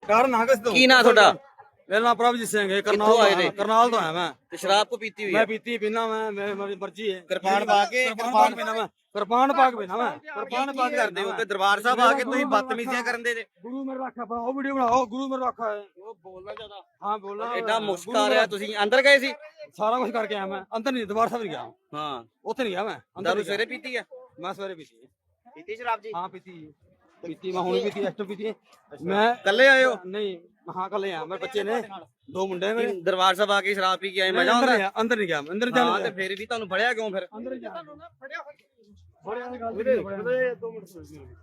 ਕਾਰਨ ਹਾਂ ਕਿਸ ਤੋਂ ਕੀ ਨਾਂ ਤੁਹਾਡਾ? ਮੇਰਾ ਨਾਮ ਪ੍ਰਭਜੀਤ ਸਿੰਘ ਹੈ। ਕਿੱਥੋਂ ਆਏ ਨੇ? ਕਰਨਾਲ ਤੋਂ ਆਇਆ ਮੈਂ। ਤੇ ਸ਼ਰਾਬ ਕੋ ਪੀਤੀ ਹੋਈ ਮੈਂ ਹੈ? ਪੀਤੀ ਪੀਣਾ ਮੈਂ ਮੇਰੀ ਮਰਜ਼ੀ ਹੈ। ਕਿਰਪਾਨ ਪਾ ਕੇ ਕਿਰਪਾਨ ਪੀਣਾ ਮੈਂ ਕਿਰਪਾਨ ਪਾ ਕੇ ਪੀਣਾ ਮੈਂ ਕਿਰਪਾਨ ਪਾ ਕੇ ਕਰਦੇ ਹੋ ਤੇ ਦਰਬਾਰ ਸਾਹਿਬ ਆ ਕੇ ਤੁਸੀਂ ਬਦਤਮੀਜ਼ੀਆਂ ਕਰਨ ਦੇ ਜੇ। ਗੁਰੂ ਮੇਰਾ ਰੱਖਾ ਬਣਾਓ ਵੀਡੀਓ ਬਣਾਓ ਗੁਰੂ ਮੇਰਾ ਰੱਖਾ ਹੈ। ਉਹ ਬੋਲਣਾ ਜ਼ਿਆਦਾ ਹਾਂ ਬੋਲਣਾ ਐਡਾ ਮੁਸ਼ਕ ਆ ਰਿਹਾ। ਤੁਸੀਂ ਅੰਦਰ ਗਏ ਸੀ? ਸਾਰਾ ਕੁਝ ਕਰਕੇ ਆਇਆ ਮੈਂ। ਅੰਦਰ ਨਹੀਂ ਦਰਬਾਰ ਸਾਹਿਬ ਨਹੀਂ ਗਿਆ। ਹਾਂ ਉੱਥੇ ਨਹੀਂ ਗਿਆ ਮੈਂ ਅੰਦਰ ਦਾਰੂ ਸਵੇਰੇ ਪੀਤੀ ਹੈ? ਮੈਂ ਸਵੇਰੇ ਪੀਤੀ ਪੀਤੀ ਸ਼ਰਾਬ ਜੀ? ਹਾਂ ਪੀਤੀ ਮੈਂ ਹੁਣ ਪੀਤੀ ਐਸਟੋ ਪੀਤੀ ਮੈਂ ਕੱਲੇ ਆਏ ਹੋ? ਨਹੀਂ ਹਾਂ ਕੱਲੇ ਆ ਮੇਰੇ ਬੱਚੇ ਨੇ 2 ਮੁੰਡੇ ਮੇਰੇ। ਦਰਬਾਰ ਸਾਹਿਬ ਆ ਕੇ ਸ਼ਰਾਬ ਪੀ ਕੇ ਆਏ ਮਜ਼ਾ ਆਉਂਦਾ? ਅੰਦਰ ਨਹੀਂ ਗਿਆ ਅੰਦਰ ਹਾਂ ਜਾਣ ਤੇ ਫਿਰ ਵੀ ਤੁਹਾਨੂੰ ਫੜਿਆ ਕਿਉਂ ਫਿਰ? ਅੰਦਰ ਜਾ ਬੜਿਆ ਦੀ ਗੱਲ 2 ਮਿੰਟ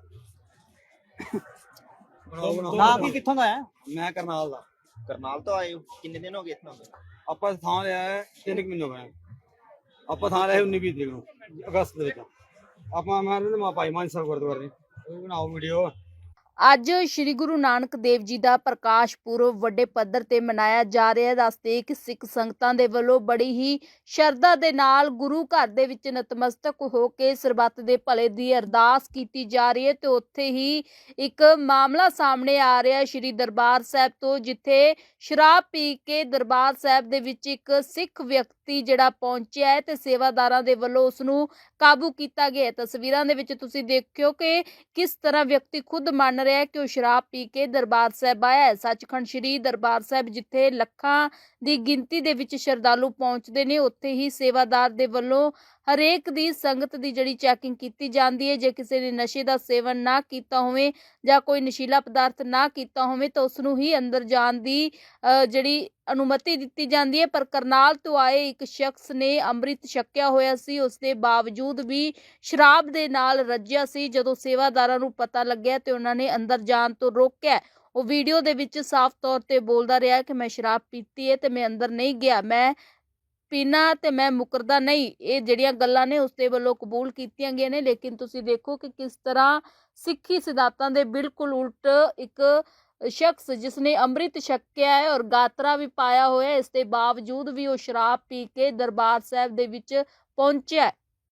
ਆਪ ਹੀ ਕਿੱਥੋਂ ਦਾ ਹੈ? ਮੈਂ ਕਰਨਾਲ ਦਾ। ਕਰਨਾਲ ਤੋਂ ਆਏ ਹੋ? ਕਿੰਨੇ ਦਿਨ ਹੋ ਗਏ ਇੱਥੋਂ? ਆਪਾਂ ਥਾਂ ਲਿਆ ਹੈ 3 ਮਹੀਨੇ ਹੋ ਗਏ। ਆਪਾਂ ਥਾਂ ਲਿਆ 19-20 ਤਰੀਕ ਨੂੰ ਅਗਸਤ ਦੇ ਵਿੱਚ। ਆਪਾਂ ਮੈਂ ਮਾ ਭਾਈ ਮਾਨ ਸਾਹਿਬ ਗੁਰਦੁਆਰੇ ਉਹ ਬਣਾਓ ਵੀਡੀਓ। ਅੱਜ ਸ਼੍ਰੀ ਗੁਰੂ ਨਾਨਕ ਦੇਵ ਜੀ ਦਾ ਪ੍ਰਕਾਸ਼ ਪੁਰਬ ਵੱਡੇ ਪੱਧਰ ਤੇ ਮਨਾਇਆ ਜਾ ਰਿਹਾ ਹੈ। ਦੱਸਦੇ ਕਿ ਸਿੱਖ ਸੰਗਤਾਂ ਦੇ ਵੱਲੋਂ ਬੜੀ ਹੀ ਸ਼ਰਧਾ ਦੇ ਨਾਲ ਗੁਰੂ ਘਰ ਦੇ ਵਿੱਚ ਨਤਮਸਤਕ ਹੋ ਕੇ ਸਰਬੱਤ ਦੇ ਭਲੇ ਦੀ ਅਰਦਾਸ ਕੀਤੀ ਜਾ ਰਹੀ ਹੈ। ਤੇ ਉੱਥੇ ਹੀ ਇੱਕ ਮਾਮਲਾ ਸਾਹਮਣੇ ਆ ਰਿਹਾ ਸ਼੍ਰੀ ਦਰਬਾਰ ਸਾਹਿਬ ਤੋਂ, ਜਿੱਥੇ ਸ਼ਰਾਬ ਪੀ ਕੇ ਦਰਬਾਰ ਸਾਹਿਬ ਦੇ ਵਿੱਚ ਇੱਕ ਸਿੱਖ ਵਿਅਕਤੀ ਜਿਹੜਾ ਪਹੁੰਚਿਆ ਹੈ ਤੇ ਸੇਵਾਦਾਰਾਂ ਦੇ ਵੱਲੋਂ ਉਸ ਨੂੰ ਕਾਬੂ ਕੀਤਾ ਗਿਆ। ਤਸਵੀਰਾਂ ਦੇ ਵਿੱਚ ਤੁਸੀਂ ਦੇਖਿਓ ਕਿ ਕਿਸ ਤਰ੍ਹਾਂ ਵਿਅਕਤੀ ਖੁਦ ਮੰਨ ਰਿਹਾ ਹੈ ਕਿ ਉਹ ਸ਼ਰਾਬ ਪੀ ਕੇ ਦਰਬਾਰ ਸਾਹਿਬ ਆਇਆ ਹੈ। ਸੱਚਖੰਡ ਸ਼੍ਰੀ ਦਰਬਾਰ ਸਾਹਿਬ ਜਿੱਥੇ ਲੱਖਾਂ ਦੀ ਗਿਣਤੀ ਦੇ ਵਿੱਚ ਸ਼ਰਧਾਲੂ ਪਹੁੰਚਦੇ ਨੇ, ਉੱਥੇ ਹੀ ਸੇਵਾਦਾਰ ਦੇ ਵੱਲੋਂ ਹਰੇਕ ਦੀ ਸੰਗਤ ਦੀ ਜਿਹੜੀ ਚੈਕਿੰਗ ਕੀਤੀ ਜਾਂਦੀ ਹੈ। ਜੇ ਕਿਸੇ ਨੇ ਨਸ਼ੇ ਦਾ ਸੇਵਨ ਨਾ ਕੀਤਾ ਹੋਵੇ ਜਾਂ ਕੋਈ ਨਸ਼ੀਲਾ ਪਦਾਰਥ ਨਾ ਕੀਤਾ ਹੋਵੇ ਤਾਂ ਉਸ ਨੂੰ ਹੀ ਅੰਦਰ ਜਾਣ ਦੀ ਜਿਹੜੀ ਅਨੁਮਤੀ ਦਿੱਤੀ ਜਾਂਦੀ ਹੈ। ਪਰ ਕਰਨਾਲ ਤੋਂ ਆਏ ਇੱਕ ਸ਼ਖਸ ਨੇ ਅੰਮ੍ਰਿਤ ਛਕਿਆ ਹੋਇਆ ਸੀ, ਉਸ ਦੇ ਬਾਵਜੂਦ ਵੀ ਸ਼ਰਾਬ ਦੇ ਨਾਲ ਰੱਜਿਆ ਸੀ। ਜਦੋਂ ਸੇਵਾਦਾਰਾਂ ਨੂੰ ਪਤਾ ਲੱਗਿਆ ਤੇ ਉਹਨਾਂ ਨੇ ਅੰਦਰ ਜਾਣ ਤੋਂ ਰੋਕਿਆ। ਉਹ ਵੀਡੀਓ ਦੇ ਵਿੱਚ ਸਾਫ਼ ਤੌਰ ਤੇ ਬੋਲਦਾ ਰਿਹਾ ਕਿ ਮੈਂ ਸ਼ਰਾਬ ਪੀਤੀ ਹੈ ਤੇ ਮੈਂ ਅੰਦਰ ਨਹੀਂ ਗਿਆ, ਮੈਂ ਪੀਣਾ ਤੇ ਮੈਂ ਮੁਕਰਦਾ ਨਹੀਂ। ਇਹ ਜਿਹੜੀਆਂ ਗੱਲਾਂ ਨੇ ਉਸ ਦੇ ਵੱਲੋਂ ਕਬੂਲ ਕੀਤੀਆਂ ਗਈਆਂ ਨੇ। ਲੇਕਿਨ ਤੁਸੀਂ ਦੇਖੋ ਕਿ ਕਿਸ ਤਰ੍ਹਾਂ ਸਿੱਖੀ ਸਿਧਾਂਤਾਂ ਦੇ ਬਿਲਕੁਲ ਉਲਟ ਇੱਕ ਸ਼ਖਸ ਜਿਸ ਨੇ ਅੰਮ੍ਰਿਤ ਛਕਿਆ ਹੈ ਔਰ ਗਾਤਰਾ ਵੀ ਪਾਇਆ ਹੋਇਆ, ਇਸ ਦੇ ਬਾਵਜੂਦ ਵੀ ਉਹ ਸ਼ਰਾਬ ਪੀ ਕੇ ਦਰਬਾਰ ਸਾਹਿਬ ਦੇ ਵਿੱਚ ਪਹੁੰਚਿਆ ਹੈ।